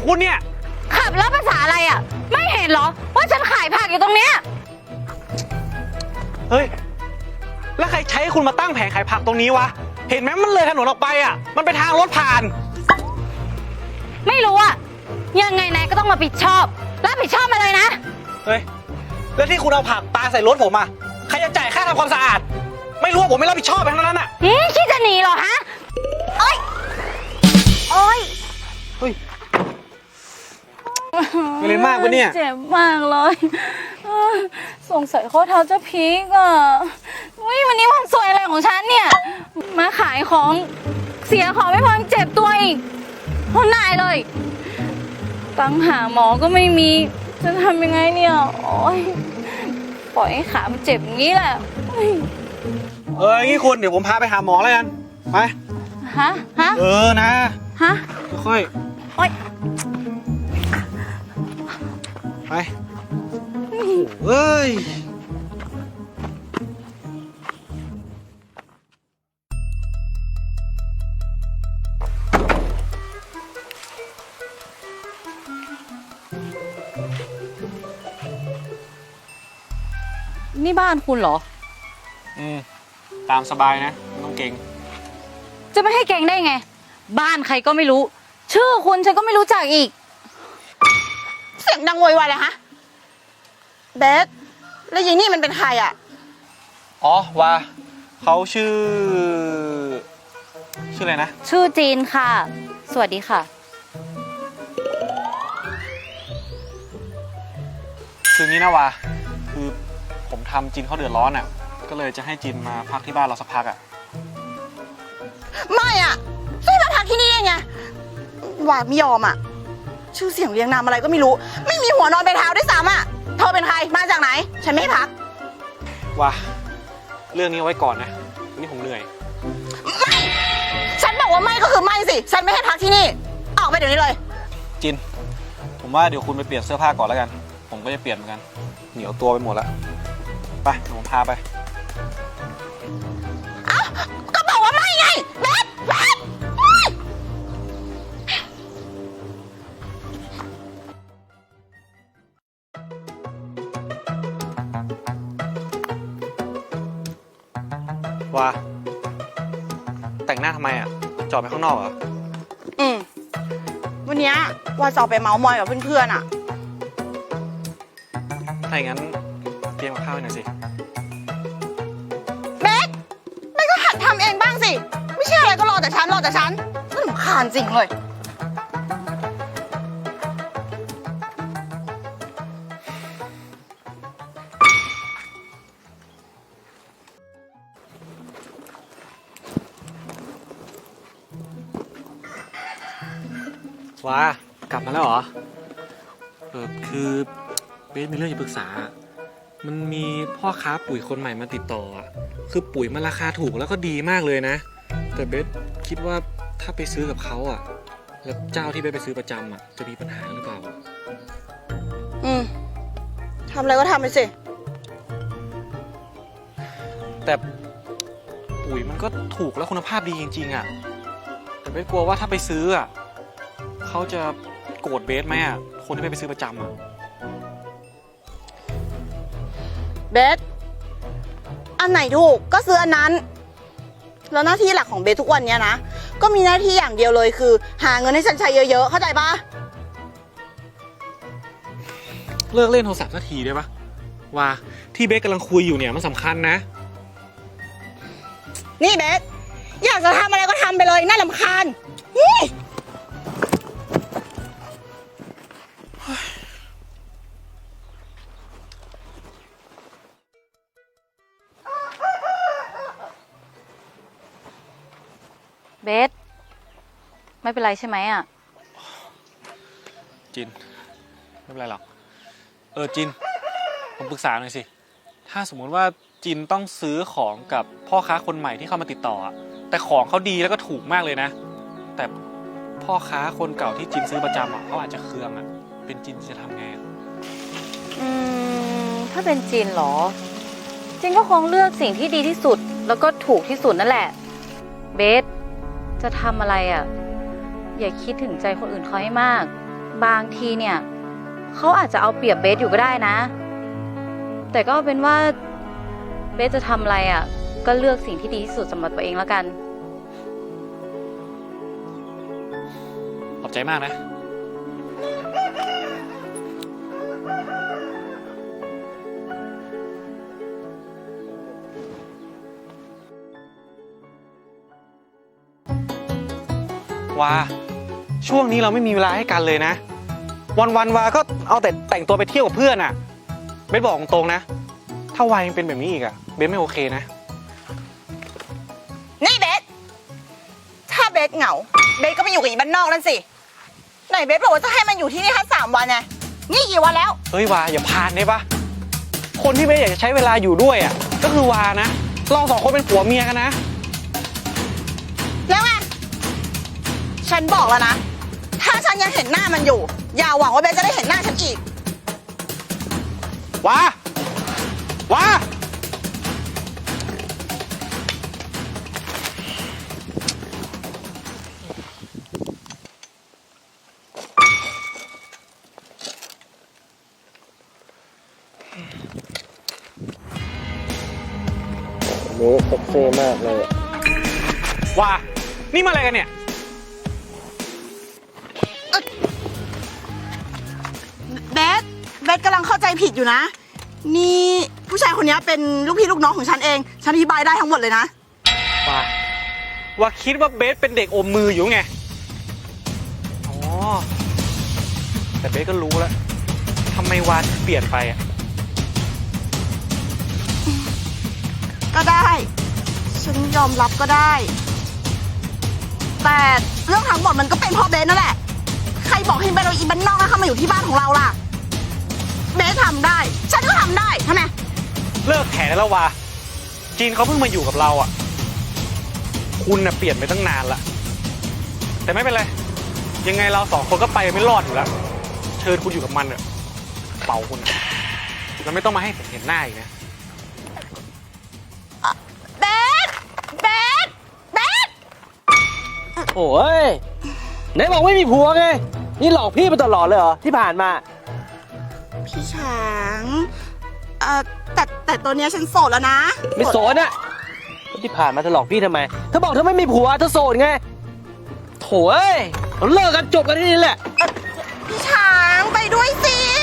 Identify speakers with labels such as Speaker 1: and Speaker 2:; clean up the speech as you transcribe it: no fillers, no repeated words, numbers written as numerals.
Speaker 1: คุณเนี่ย
Speaker 2: ขับแล้วภาษาอะไรอ่ะไม่เห็นเหรอว่าฉันขายผักอยู่ตรงเนี้ย
Speaker 1: เฮ้ยแล้วใครใช้คุณมาตั้งแผงขายผักตรงนี้วะเห็นไหมมันเลยถนนออกไปอ่ะมันเป็นทางรถผ่าน
Speaker 2: ไม่รู้อ่ะยังไงนายก็ต้องมารับผิดชอบมาเลยนะ
Speaker 1: เฮ้ยแล้วที่คุณเอาผักปาใส่รถผมอ่ะใครจะจ่ายค่าทำความสะอาดไม่รู้ว่าผมไม่รับผิดชอบไปทั้งนั้นอ่ะ
Speaker 2: คิดจะหนีเหรอฮะโอ๊ย
Speaker 1: เฮ้ยไม่เล่นมากปะเนี่ย
Speaker 2: เจ็บมากเลยสงสัยข้อเท้าจะพีกอ่ะวันนี้วันสวยอะไรของฉันเนี่ยมาขายของเสียของไม่พอเจ็บตัวอีกทนนายเลยตังหาหมอก็ไม่มีจะทำยังไงเนี่ยโอ๊ยปล่อยให้ขามันเจ็บอย่างนี้แหละ
Speaker 1: งี้คุณเดี๋ยวผมพาไปหาหมอแล้วกันไป
Speaker 2: ฮะ
Speaker 1: นะ
Speaker 2: ฮะ
Speaker 1: ค่อย
Speaker 2: โอ๊ย
Speaker 1: ไปเฮ้ย
Speaker 2: นี่บ้านคุณเหรอ
Speaker 1: ตามสบายนะไม่ต้องเก่ง
Speaker 2: จะไม่ให้เก่งได้ไงบ้านใครก็ไม่รู้ชื่อคุณฉันก็ไม่รู้จักอีก
Speaker 3: เสียงดังโวยวายเลยฮะเบสแล้วยีนี่มันเป็นใครอ่ะ
Speaker 1: ว่าเขาชื่ออะไรนะ
Speaker 2: ชื่อจีนค่ะสวัสดีค่ะ
Speaker 1: คืองี้นะวาคือผมทำจินเขาเดือดร้อนอ่ะก็เลยจะให้จินมาพักที่บ้านเราสักพักอ่ะ
Speaker 3: ไม่อ่ะช่วยมาพักที่นี่ไงว่าไม่ยอมอ่ะชื่อเสียงเรียงนามอะไรก็ไม่รู้ไม่มีหัวนอนไปเท้าด้วยซ้ำอ่ะเธอเป็นใครมาจากไหนฉันไม่ให้พัก
Speaker 1: ว่าเรื่องนี้เอาไว้ก่อนนะนี่ผมเหนื่อย
Speaker 3: ไม่ฉันบอกว่าไม่ก็คือไม่สิฉันไม่ให้พักที่นี่ออกไปเดี๋ยวนี้เลย
Speaker 1: จินผมว่าเดี๋ยวคุณไปเปลี่ยนเสื้อผ้าก่อนแล้วกันผมก็จะเปลี่ยนเหมือนกันเหนียวตัวไปหมดแล้วไปเดี๋ยวผมพาไป
Speaker 3: ก็บอกว่าไม่ไงเบส
Speaker 1: ว่าแต่งหน้าทำไมอ่ะจอดไปข้างนอกเหรอ
Speaker 3: วันนี้ว่าจะไปเมาส์มอยกับเพื่อนๆอ่ะ
Speaker 1: ถ้าอย่างนั้นเตรียมกับข้าวหน่อยสิ
Speaker 3: เบสไม่ก็หัดทำเองบ้างสิไม่ใช่อะไรก็รอแต่ฉันน่ารำคาญจริงเลย
Speaker 1: ว้ากลับมาแล้วเหรอคือเบสมีเรื่องจะปรึกษามันมีพ่อค้าปุ๋ยคนใหม่มาติดต่อคือปุ๋ยมันราคาถูกแล้วก็ดีมากเลยนะแต่เบสคิดว่าถ้าไปซื้อกับเขาแล้วเจ้าที่เบสไปซื้อประจำจะมีปัญหาหรือเปล่า
Speaker 3: ทำอะไรก็ทำไปสิ
Speaker 1: แต่ปุ๋ยมันก็ถูกและคุณภาพดีจริงๆแต่เบสกลัวว่าถ้าไปซื้อเขาจะโกรธเบสไหมคนที่ไปซื้อประจำ
Speaker 3: เบสอันไหนถูกก็ซื้ออันนั้นแล้วหน้าที่หลักของเบสทุกวันนี้นะก็มีหน้าที่อย่างเดียวเลยคือหาเงินให้ฉันใช้เยอะๆเข้าใจปะ
Speaker 1: เลิกเล่นโทรศัพท์สักทีได้ปะว่าที่เบสกำลังคุยอยู่เนี่ยมันสำคัญนะ
Speaker 3: นี่เบสอยากจะทำอะไรก็ทำไปเลยน่ารำคาญ
Speaker 2: เบสไม่เป็นไรใช่ไหม
Speaker 1: จินไม่เป็นไรหรอกจินผมปรึกษาหน่อยสิถ้าสมมติว่าจินต้องซื้อของกับพ่อค้าคนใหม่ที่เข้ามาติดต่อแต่ของเขาดีแล้วก็ถูกมากเลยนะแต่พ่อค้าคนเก่าที่จินซื้อประจำเขาอาจจะเคืองเป็นจินจะทำไง
Speaker 2: ถ้าเป็นจินเหรอจินก็คงเลือกสิ่งที่ดีที่สุดแล้วก็ถูกที่สุดนั่นแหละเบสจะทำอะไรอย่าคิดถึงใจคนอื่นเขาให้มากบางทีเนี่ยเขาอาจจะเอาเปรียบเบสอยู่ก็ได้นะ แต่ก็เอาเป็นว่าเบสจะทำอะไรอ่ะก็เลือกสิ่งที่ดีที่สุดสำหรับตัวเองแล้วกัน
Speaker 1: ขอบใจมากนะ วาช่วงนี้เราไม่มีเวลาให้กันเลยนะ วันวาก็เอาแต่แต่งตัวไปเที่ยวกับเพื่อนอ่ะเบสบอกตรงๆนะ ถ้าวายังเป็นแบบนี้อีกอ่ะเบสไม่โอเคนะ
Speaker 3: นี่เบส ถ้าเบสเหงา เบสก็ไปอยู่กับอีบ้านนอกนั่นสิ ไหนเบสบอกว่าจะให้มันอยู่ที่นี่แค่3 วันไงนี่กี่วันแล้ว
Speaker 1: เฮ้ยวาอย่าพานได้ปะคนที่เบสอยากจะใช้เวลาอยู่ด้วยอ่ะก็คือวานะเรา2 คนเป็นผัวเมียกันนะ
Speaker 3: แล้วไง ฉันบอกแล้วนะ ถ้าฉันยังเห็นหน้ามันอยู่ อย่าหวังว่าเบสจะได้เห็นหน้าฉันอีก
Speaker 1: วา วา
Speaker 4: เนื้อเซ็กซี่มากเลย
Speaker 1: วา นี่มาอะไรกันเนี่ย
Speaker 3: เบสกำลังเข้าใจผิดอยู่นะ นี่ผู้ชายคนนี้เป็นลูกพี่ลูกน้องของฉันเอง ฉันอธิบายได้ทั้งหมดเลยนะ
Speaker 1: วาคิดว่าเบสเป็นเด็กอมมืออยู่ไง อ๋อ แต่เบสก็รู้แล้วทำไมวาถึงเปลี่ยนไปอ่ะ
Speaker 3: ก็ได้ ฉันยอมรับก็ได้ แต่เรื่องทั้งหมดมันก็เป็นเพราะเบสนั่นแหละ ใครบอกให้เบสเอาอีบ้านนอกเข้ามาอยู่ที่บ้านของเราล่ะ เบสทำได้ ฉันก็ทำได้ทำไม
Speaker 1: เลิกแถได้แล้ววาจีนเขาเพิ่งมาอยู่กับเราอ่ะ คุณน่ะเปลี่ยนไปตั้งนานละ แต่ไม่เป็นไร ยังไงเรา2 คนก็ไปไม่รอดอยู่แล้ว เชิญคุณอยู่กับมันเถอะเป่าคุณนะแล้วไม่ต้องมาให้ผมเห็นหน้าอีกนะ
Speaker 3: เบส เบส เบส
Speaker 4: โอ้ยไหนบอกไม่มีผัวไง นี่หลอกพี่มาตลอดเลยเหรอที่ผ่านมา
Speaker 3: พี่ช้างแต่ตอนเนี้ยฉันโสดแล้วนะ
Speaker 4: ไม่โสดอะที่ผ่านมาเธอหลอกพี่ทำไมเธอบอกเธอไม่มีผัวเธอโสดไงโถ่เอ้ยเราเลิกกันจบกันที่นี่แหละ
Speaker 3: พี่ช้างไปด้วยสิ